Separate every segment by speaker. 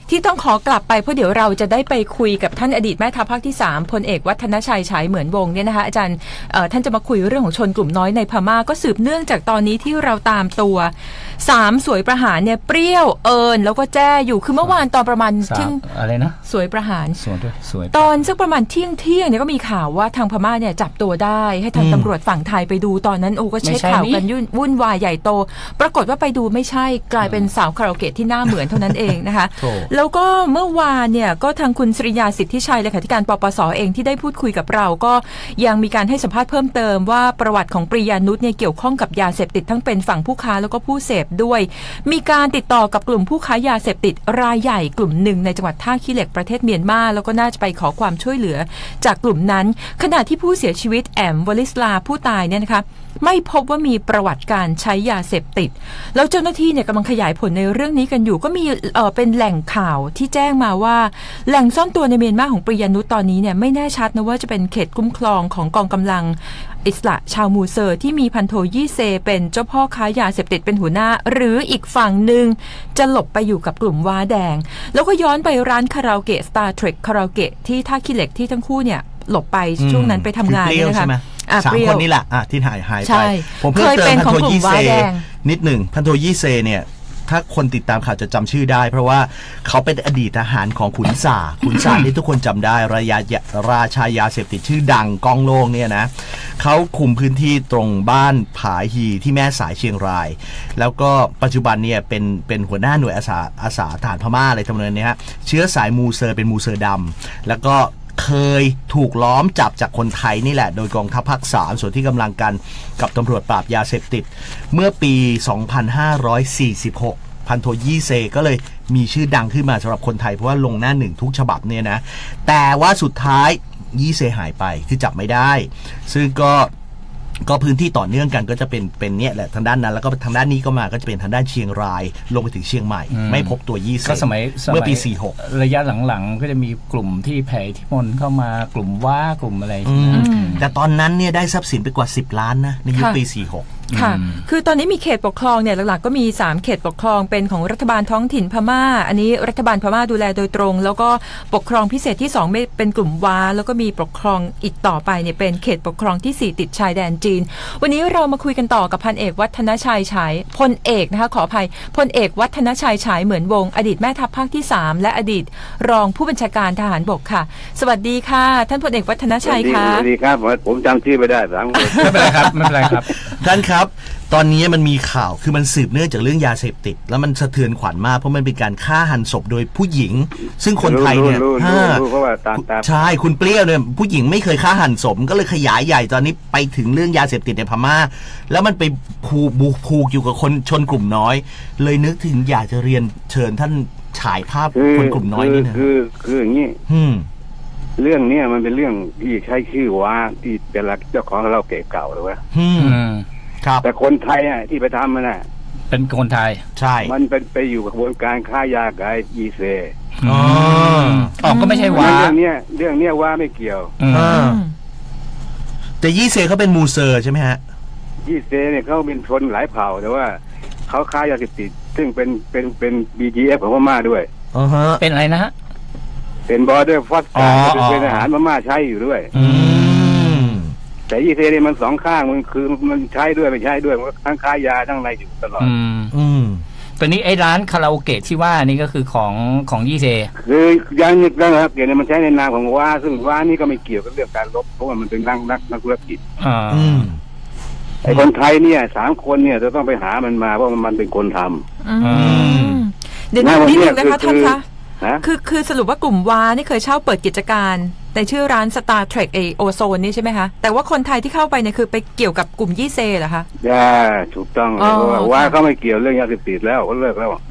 Speaker 1: ที่ต้องขอกลับไปเพราะเดี๋ยวเราจะได้ไปคุยกับท่านอดีตแม่ทัพภาคที่3พลเอกวัฒนชัยฉายเหมือนวงเนี่ยนะคะอาจารย์ท่านจะมาคุยเรื่องของชนกลุ่มน้อยในพม่าก็สืบเนื่องจากตอนนี้ที่เราตามตัว3สวยประหารเนี่ยเปรี้ยวเอิญแล้วก็แจ้อยู่คือเมื่อวานตอนประมาณเที่ยง
Speaker 2: อะไรนะ
Speaker 1: สวยประหาร
Speaker 2: สวย
Speaker 1: ตอนสักประมาณเที่ยงเนี่ยก็มีข่าวว่าทางพม่าเนี่ยจับตัวได้ให้ทางตำรวจฝั่งไทยไปดูตอนนั้นโอ้ก็เช็คข่าวกันวุ่นวายใหญ่โตปรากฏว่าไปดูไม่ใช่กลายเป็นสาวคาราโอเกะที่หน้าเหมือนเท่านั้นเองนะคะแล้วก็เมื่อวานเนี่ยก็ทางคุณศริยาสิทธิชัยเลขาธิการปปส.เองที่ได้พูดคุยกับเราก็ยังมีการให้สัมภาษณ์เพิ่มเติมว่าประวัติของปริยานุชเนี่ยเกี่ยวข้องกับยาเสพติดทั้งเป็นฝั่งผู้ค้าแล้วก็ผู้เสพด้วยมีการติดต่อกับกลุ่มผู้ค้ายาเสพติดรายใหญ่กลุ่มหนึ่งในจังหวัดท่าขี้เหล็กประเทศเมียนมาแล้วก็น่าจะไปขอความช่วยเหลือจากกลุ่มนั้นขณะที่ผู้เสียชีวิตแอมวลิสลาผู้ตายเนี่ยนะคะไม่พบว่ามีประวัติการใช้ยาเสพติดแล้วเจ้าหน้าที่เนี่ยกำลังขยายผลในเรื่องนี้กันอยู่ก็มีเป็นแหล่งข่าวที่แจ้งมาว่าแหล่งซ่อนตัวในเมียนมาของปริยานุชตอนนี้เนี่ยไม่แน่ชัดนะว่าจะเป็นเขตคุ้มครองของกองกำลังอิสระชาวมูเซอร์ที่มีพันโทยี่เซเป็นเจ้าพ่อค้ายาเสพติดเป็นหัวหน้าหรืออีกฝั่งหนึ่งจะหลบไปอยู่กับกลุ่มว้าแดงแล้วก็ย้อนไปร้านคาราโอเกะ Star Trek คาราโอเกะที่ท่าขี้เหล็กที่ทั้งคู่เนี่ยหลบไปช่วงนั้นไปทำงานเนี่ยนะคะ
Speaker 3: 3 คนนี่แหละที่หายไปผมเพิ่มเติมพันโทยี่เซนิดหนึ่งพันโทยี่เซเนี่ยถ้าคนติดตามข่าวจะจำชื่อได้เพราะว่าเขาเป็นอดีตทหารของขุนสาที่ทุกคนจำได้ราชายาเสพติดชื่อดังก้องโล่งเนี่ยนะเขาคุมพื้นที่ตรงบ้านผาฮีที่แม่สายเชียงรายแล้วก็ปัจจุบันเนี่ยเป็นหัวหน้าหน่วยอาสาทหารพม่าอะไรทำนองนี้ฮะเชื้อสายมูเซอร์เป็นมูเซอร์ดำแล้วก็เคยถูกล้อมจับจากคนไทยนี่แหละโดยกองทัพภาค3ส่วนที่กำลังกันกับตำรวจปราบยาเสพติดเมื่อปี 2546 พันโทยี่เซก็เลยมีชื่อดังขึ้นมาสำหรับคนไทยเพราะว่าลงหน้าหนึ่งทุกฉบับเนี่ยนะแต่ว่าสุดท้ายยี่เซหายไปคือจับไม่ได้ซึ่งก็พื้นที่ต่อเนื่องกันก็จะเป็นเนี่ยแหละทางด้านนั้นแล้วก็ทางด้านนี้ก็มาก็จะเป็นทางด้านเชียงรายลงไปถึงเชียงใหม่ไม่พบตัวยี่เซ
Speaker 2: ก็สมัย
Speaker 3: เมื่อปี46
Speaker 2: ระยะหลังๆก็จะมีกลุ่มที่แผ่อิทธิพลเข้ามากลุ่มว่ากลุ่มอะไร
Speaker 3: แต่ตอนนั้นเนี่ยได้ทรัพย์สินไปกว่า10 ล้านนะในยุคปี46
Speaker 1: ค่ะคือตอนนี้มีเขตปกครองเนี่ยหลักๆก็มี3เขตปกครองเป็นของรัฐบาลท้องถิ่นพม่าอันนี้รัฐบาลพม่าดูแลโดยตรงแล้วก็ปกครองพิเศษที่2ไม่เป็นกลุ่มว้าแล้วก็มีปกครองอีกต่อไปเนี่ยเป็นเขตปกครองที่4ติดชายแดนจีนวันนี้เรามาคุยกันต่อกับพันเอกวัฒนชัยฉายพลเอกนะคะขออภัยพลเอกวัฒนชัยฉายเหมือนวงอดีตแม่ทัพภาคที่3และอดีตรองผู้บัญชาการทหารบกค่ะสวัสดีค่ะท่านพลเอกวัฒนชัยค่ะ
Speaker 4: สวัสดีครับผมจำชื่อไม่ได้
Speaker 2: ไม่เป็นไรครับไม่เป็นไรครับ
Speaker 3: ท่านครับตอนนี้มันมีข่าวคือมันสืบเนื่องจากเรื่องยาเสพติดแล้วมันสะเทือนขวัญมากเพราะมันเป็นการฆ่าหันศพโดยผู้หญิงซึ่งคนไทยเนี่ยใช่คุณเปรี้ยวเนี่ยผู้หญิงไม่เคยฆ่าหันศพก็เลยขยายใหญ่ตอนนี้ไปถึงเรื่องยาเสพติดในพม่าแล้วมันไปผูกอยู่กับคนชนกลุ่มน้อยเลยนึกถึงอยากจะเรียนเชิญท่านฉายภาพคนกลุ่มน้อยนี่นะ
Speaker 4: คืออย่างนี้เรื่องนี้มันเป็นเรื่องที่ใช้ชื่อว่าที่เป็นหลักเจ้าของเราเก่าหรือว่าแต่คนไทยที่ไปทำมัน
Speaker 2: เป็นคนไทย
Speaker 3: ใช่
Speaker 4: มันเป็นไปอยู่กับกระบวนการค้ายากับยีเซ
Speaker 2: ก็ไม่ใช่ว่า
Speaker 4: เรื่องนี้ว่าไม่เกี่ยว
Speaker 3: แต่ยี่เซเขาเป็นมูเซอร์ใช่ไหมฮะ
Speaker 4: ยี่เซเนี่ยเขาเป็นชนหลายเผ่าแต่ว่าเขาค้ายาเสพติดซึ่งเป็น BGF ของพม่าด้วย
Speaker 2: เป็นอะไรนะฮะ
Speaker 4: เป็นบอร์เดอร์ฟอสเป็นอาหารพม่าใช้อยู่ด้วยแต่ยี่เซเนี่ยมันสองข้างมันคือมันใช้ด้วยไม่ใช้ด้วยมันทั้งค้ายาทั้งอะไรอยู่ตลอด
Speaker 2: ตอนนี้ไอ้ร้านคาราโอเกะที่ว่านี่ก็คือของยี่เซ
Speaker 4: คือยังนึกได้ครับเกี่ยวกับมันใช้ในนามของว่าซึ่งว่านี่ก็ไม่เกี่ยวกับเรื่องการลบเพราะว่ามันเป็นนักธุรกิจไอ้คนไทยเนี่ย3 คนเนี่ยจะต้องไปหามันมาเพราะมันเป็นคนท
Speaker 1: ำเดี๋ยวนิดนึงนะคะท่านคะคือสรุปว่ากลุ่มวานี่เคยเช่าเปิดกิจการในชื่อร้าน Star Trek โอโซนนี่ใช่ไหมคะแต่ว่าคนไทยที่เข้าไปเนี่ยคือไปเกี่ยวกับกลุ่มยี่เซเหรอคะ
Speaker 4: ถูกต้องเพราะว่าเขาไม่เกี่ยวเรื่องยาเสพติดแล้วเขาเลิกแล้ว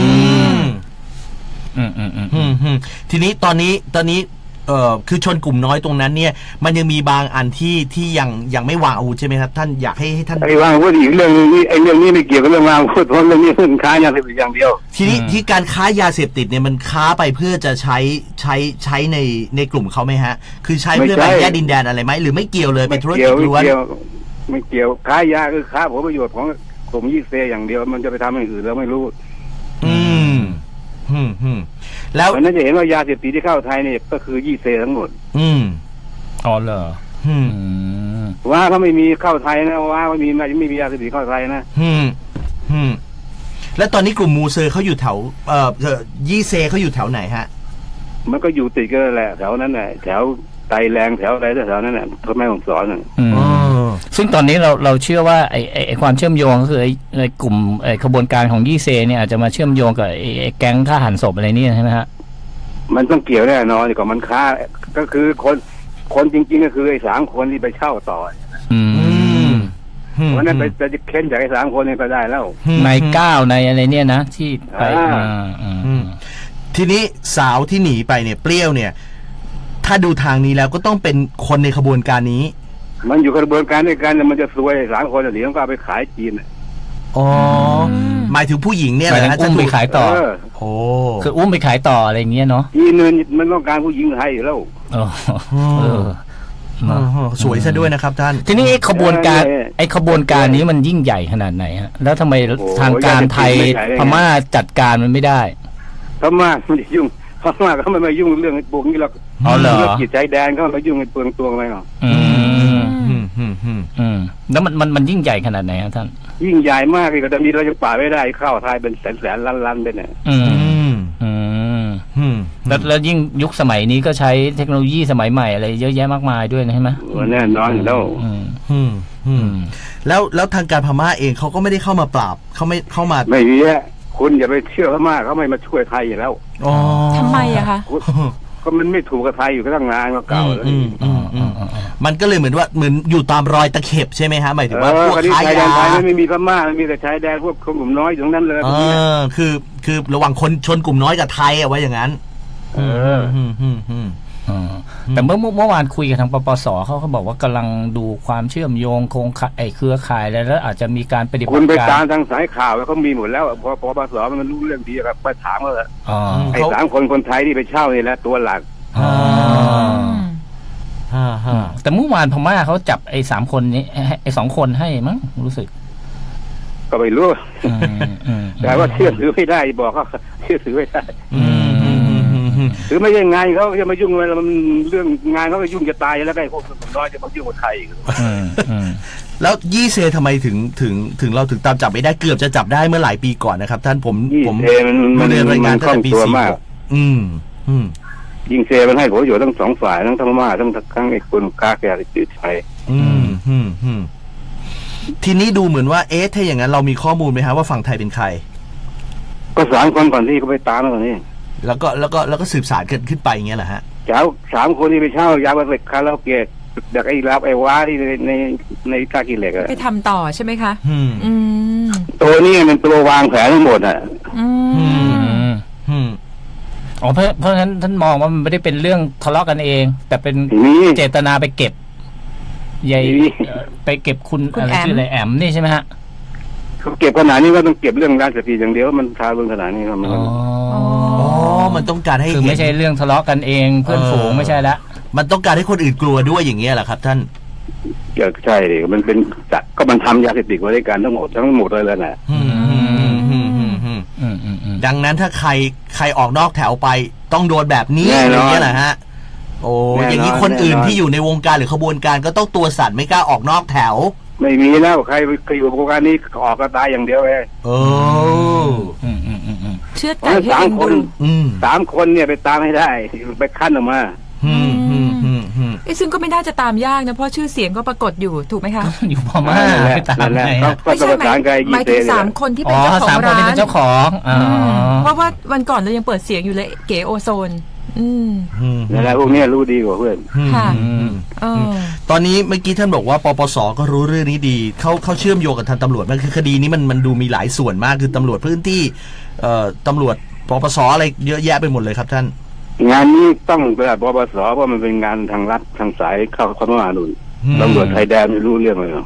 Speaker 3: ทีนี้ตอนนี้คือชนกลุ่มน้อยตรงนั้นเนี่ยมันยังมีบางอันที่ยังไม่วางอาวุธใช่ไหมครับท่านอยากให้ท่าน
Speaker 4: วางอาวุธอีกเรื่องนึงนี่ไอ้เรื่องนี้ไม่เกี่ยวกับเรื่องวางอาวุธเพราะเรื่องนี้เรื่องค้ายาเสพติดอย่างเดียว
Speaker 3: ทีนี้ที่การค้ายาเสพติดเนี่ยมันค้าไปเพื่อจะใช้ในกลุ่มเขาไหมฮะคือใช้เพื่อแบ่งแยกดินแดนอะไรไหมหรือไม่เกี่ยวเลยเป็นธุรกิจล้วน
Speaker 4: ไม่เกี่ยวค้ายาคือค้าผลประโยชน์ของกลุ่มยี่เซอย่างเดียวมันจะไปทำอย่างอื่นเราไม่รู้
Speaker 3: แล้ว
Speaker 4: เพราะนั้นจะเห็นว่ายาเสพติดที่เข้าไทยเนี่ยก็คือยี่เซทั้งหมด
Speaker 2: อ๋อเหรอ
Speaker 4: ว่าเขาไม่มีเข้าไทยนะว่าไม่มียาเสพติดเข้าไทยนะ
Speaker 3: แล้วตอนนี้กลุ่มมูเซอร์เขาอยู่แถวยี่เซเขาอยู่แถวไหนฮะ
Speaker 4: มันก็อยู่ติดกันแหละแถวนั้นแหละแถวไตแรงแถวอะไรแถวนั้นแหละพ่อแม่ของสอน
Speaker 2: ซึ่งตอนนี้เราเชื่อว่าไอ้ความเชื่อมโยงก็คือไอ้กลุ่มขบวนการของยี่เซเนี่ยอาจจะมาเชื่อมโยงกับไอ้แก๊งฆ่าหันศพอะไรนี่ใช่ไหมฮะ
Speaker 4: มันต้องเกี่ยวแน่นอนกว่ามันค้าก็คือคนจริงๆก็คือไอ้3 คนที่ไปเช่าต่อวันนั้นไปเค้นจากไอ้3 คนนี้ก็ได้แล้ว
Speaker 2: ใน9ในอะไรเนี่ยนะที่ไป
Speaker 3: ทีนี้สาวที่หนีไปเนี่ยเปรี้ยวเนี่ยถ้าดูทางนี้แล้วก็ต้องเป็นคนในขบวนการนี้
Speaker 4: มันอยู่ขบวนการด้วยกันมันจะซวย3 คนหนีต้องก็เอาไปขายจีน
Speaker 3: อ๋อหมายถึงผู้หญิงเนี่ยนะ
Speaker 2: อุ้มไปขายต่อโอ้คืออุ้มไปขายต่ออะไรเงี้ยเนาะ
Speaker 4: จีนมันต้องการผู้หญิงไทยอยู่แล้ว
Speaker 3: สวยซะด้วยนะครับท่าน
Speaker 2: ทีนี้ไอ้ขบวนการนี้มันยิ่งใหญ่ขนาดไหนฮะแล้วทำไมทางการไทยพม่าจัดการมันไม่ได้
Speaker 4: พม่าไม่ยุ่งพม่าเขาไม่มายุ่งเรื่องไอ้ปุกนี่หรอกเรื่องจิตใจแดนเขามายุ่งไอ้เปลืองตัวไหมหรอ
Speaker 2: แล้วมันยิ่งใหญ่ขนาดไหนครับท่าน
Speaker 4: ยิ่งใหญ่มากเลยก็จะมีเราจะป่าไม่ได้เข้าไทยเป็นแสนล้านไปเนี่ย
Speaker 2: แล้วยิ่งยุคสมัยนี้ก็ใช้เทคโนโลยีสมัยใหม่อะไรเยอะแยะมากมายด้วยนะใช่ไหม
Speaker 4: แน่นอนแล้ว
Speaker 3: แล้วทางการพม่าเองเขาก็ไม่ได้เข้ามาปราบเขาไม่เข้ามา
Speaker 4: ไม่มีคุณอย่าไปเชื่อพม่าเขาไม่มาช่วยไทยอยู่แล้ว
Speaker 1: ทำไมอะคะ
Speaker 4: ก็มันไม่ถูกกับไทยอยู่ก็ตั้งนานมาเก่าแล้ว
Speaker 3: มันก็เลยเหมือนอยู่ตามรอยตะเข็บใช่ไหมฮะหมายถึงว่าพวก
Speaker 4: ชายแดนไทยไม่มีพม่ามีแต่ชายแดนพวกคนกลุ่มน้อยอยู่ตรงนั้นเลย
Speaker 3: คือระหว่างคนชนกลุ่มน้อยกับไทยเอาไว้อย่างนั้น
Speaker 2: แต่เมื่อวานคุยกับทางปปสเขาบอกว่ากำลังดูความเชื่อมโยงโครงข่ายเครือข่ายแล้วอาจจะมีการปฏิบัติการ
Speaker 4: คุณไปตามทางสายข่าวแล้วเขามีหมดแล้วพอปปสมันรู้เรื่องดีครับไปถามเขาเลยไอ้3 คนไทยที่ไปเช่านี่แหละตัวหลัก
Speaker 2: แต่เมื่อวานพม่าเขาจับไอ้3 คนนี้ไอ้2 คนให้มั้งรู้สึก
Speaker 4: ก็ไม่รู้แต่ว่าเชื่อถือไม่ได้บอกเขาเชื่อถือไม่ได้หรือไม่ใช่งานเขาจะมายุ่งอะไรมันเรื่องงานเขาก็ยุ่งจะตายแล้วไอ้พวกคนน้อยจะมายุ่งกับไทย
Speaker 3: แล้วยี่เซทำไมถึงเราถึงตามจับไม่ได้เกือบจะจับได้เมื่อหลายปีก่อนนะครับท่านผม
Speaker 4: มันเรียนรายงานตั้งแต่ปี46ยิงเซมันให้ผลประโยชน์ทั้ง2 ฝ่ายทั้งพม่าทั้งไอ้คนค้าแก่ติดไทย
Speaker 3: ทีนี้ดูเหมือนว่าถ้าอย่างนั้นเรามีข้อมูลไหมฮะว่าฝั่งไทยเป็นใคร
Speaker 4: ก็3 คนก่อนที่เขาไปตามแล้วนี่
Speaker 3: แล้วก็สืบสารขึ้นไปอย่างเงี้ยแหละฮะ
Speaker 4: เจ้า3 คนที่ไปเช่ายาบำบัดคาราโอเกะจากไอ้รับไอ้ว้าที่ในท่ากิเหล็ก
Speaker 1: ไปทำต่อใช่ไหมคะ
Speaker 4: ตัวนี้มันตัววางแผนทั้งหมดอ่ะ
Speaker 2: เพราะฉะนั้นท่านมองว่ามันไม่ได้เป็นเรื่องทะเลาะกันเองแต่เป็นเจตนาไปเก็บไปเก็บคุณอะไรชื่ออะไรแอมนี่ใช่ไหมฮะ
Speaker 4: เขาเก็บขนาดนี้ก็ต้องเก็บเรื่องยาเสพติดอย่างเดียวมันทารุณขนาดนี้ครับ
Speaker 3: มันต้องการให้
Speaker 2: คือไม่ใช่เรื่องทะเลาะกันเองเพื่อนฝูงไม่ใช่ละ
Speaker 3: มันต้องการให้คนอื่นกลัวด้วยอย่างเงี้ยแหละครับท่าน
Speaker 4: ใช่ดิมันเป็นก็มันทำยาเสพติดไว้ด้วยกันทั้งหมดเลยแหละ
Speaker 3: ดังนั้นถ้าใครออกนอกแถวไปต้องโดนแบบนี้อย่างเงี้ยแหละฮะโอ้อย่างนี้คนอื่นที่อยู่ในวงการหรือขบวนการก็ต้องตัวสั่นไม่กล้าออกนอกแถว
Speaker 4: ไม่มีแล้วใครอยู่วงการนี้ออกก็ตายอย่างเดียวเลย
Speaker 1: เชื่อใจให้
Speaker 4: 3 คน3 คนเนี่ยไปตามให้ได้ไปขั้นออกมา
Speaker 1: ซึ่งก็ไม่น่าจะตามยากนะเพราะชื่อเสียงก็ปรากฏอยู่ถูกไหมคะ
Speaker 2: อยู่พม่า
Speaker 4: ตามไง
Speaker 1: ไม่ใช่หมายถึง3 คนที่เป็นเจ้าของร้าน
Speaker 2: เจ้าของ
Speaker 1: เพราะว่าวันก่อนเรายังเปิดเสียงอยู่เลยเก๋โอโซน
Speaker 4: อะไรพวกนี้รู้ดีกว่าเพื่อน
Speaker 1: ค่ะ
Speaker 3: ตอนนี้เมื่อกี้ท่านบอกว่าปปสก็รู้เรื่องนี้ดีเขาเชื่อมโยงกับทางตำรวจมันคือคดีนี้มันดูมีหลายส่วนมากคือตำรวจพื้นที่ตำรวจปปสอะไรเยอะแยะไปหมดเลยครับท่าน
Speaker 4: งานนี้ต้องระดับปปสเพราะมันเป็นงานทางรัฐทางสายเข้าพม่าหนุนตำรวจไทยแดนไม่รู้เรื่องเลย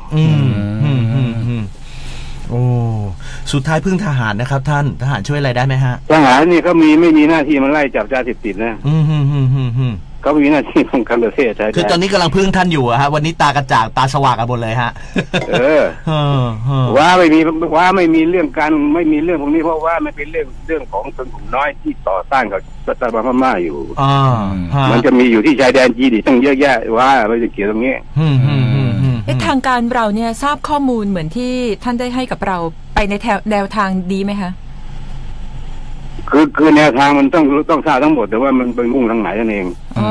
Speaker 3: โอ้สุดท้ายพึ่งทหารนะครับท่านทหารช่วยอะไรได้ไหมฮะ
Speaker 4: ทหารนี่เขาไม่มีหน้าที่มาไล่จับยาเสพติดนะเขามีหน้าที่ป้องกันประเทศใช่
Speaker 3: คือตอนนี้กำลังพึ่งท่านอยู่อะฮะวันนี้ตากระจ่างตาสว่างกันหมดเลยฮะ
Speaker 4: ว่าไม่มีเรื่องการไม่มีเรื่องพวกนี้เพราะว่ามันเป็นเรื่องของชนกลุ่มน้อยที่ต่อต้านกับรัฐบาลพม่าอยู่มันจะมีอยู่ที่ชายแดนจีนตั้งเยอะแยะว่าไม่จะเกี่ยวตรงนี้
Speaker 1: ทางการเราเนี่ยทราบข้อมูลเหมือนที่ท่านได้ให้กับเราไปในแนวทางดีไหมคะ
Speaker 4: คือแนวทางมันต้องทราบทั้งหมดแต่ว่ามันไปมุ่งทางไหนนั่นเอง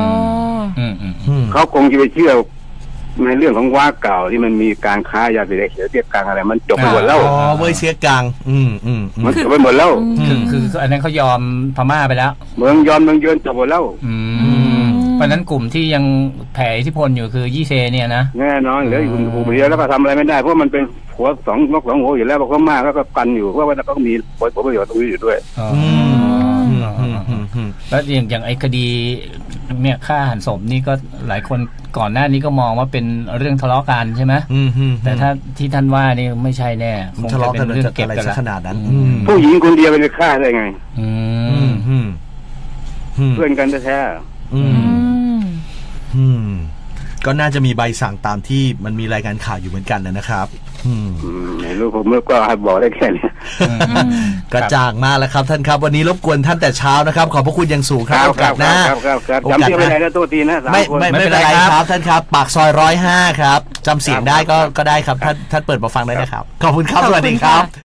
Speaker 4: เขาคงจะไปเชื่อในเรื่องของว่าเก่าที่มันมีการค้ายาเสพติดเทียบกลางอะไรมันจบไปหมดแล้ว
Speaker 3: เว้ยเสียกลาง
Speaker 4: มันจบไปหมดแล้ว
Speaker 2: คืออันนั้นเขายอมพม่าไปแล้ว
Speaker 4: เมืองเยินจบหมดแล้ว
Speaker 2: เพราะนั้นกลุ่มที่ยังแผ่อิทธิพลอยู่คือยี่เซเนี่ยนะ
Speaker 4: แน่นอนเหลืออยู่กลุ่มเดียวแล้วก็ทำอะไรไม่ได้เพราะมันเป็นหัวสองหัวอยู่แล้วพม่าก็กันอยู่เพราะว่าเขามีผลประโยชน์ตรงนี้อยู่ด้วย
Speaker 2: แล้วอย่างไอ้คดีเนี่ยฆ่าหันศพนี่ก็หลายคนก่อนหน้านี้ก็มองว่าเป็นเรื่องทะเลาะกันใช่ไหมแต่ถ้าที่ท่านว่านี่ไม่ใช่แน่คงจะเป็นเรื่องเก็บกัน
Speaker 3: ขนาดนั้น
Speaker 4: ผู้หญิงคนเดียวไปฆ่าได้ไงเพื่อนกันแท้
Speaker 3: ก็น่าจะมีใบสั่งตามที่มันมีรายงานข่าวอยู่เหมือนกันนะครับ
Speaker 4: ไม่รู้ผมก็บอกได้แค่นี้
Speaker 3: กระจ่างมากแล้วครับท่านครับวันนี้รบกวนท่านแต่เช้านะครับขอบพระคุณอย่างสูงครับโอกาสหน้า
Speaker 4: จำชื่อไม่ได้นะตัวทีนะ
Speaker 3: ไม่เป็นไรครับท่านครับปากซอย105ครับจำเสียงได้ก็ได้ครับท่านเปิดมาฟังได้นะครับขอบคุณครับสวัสดีครับ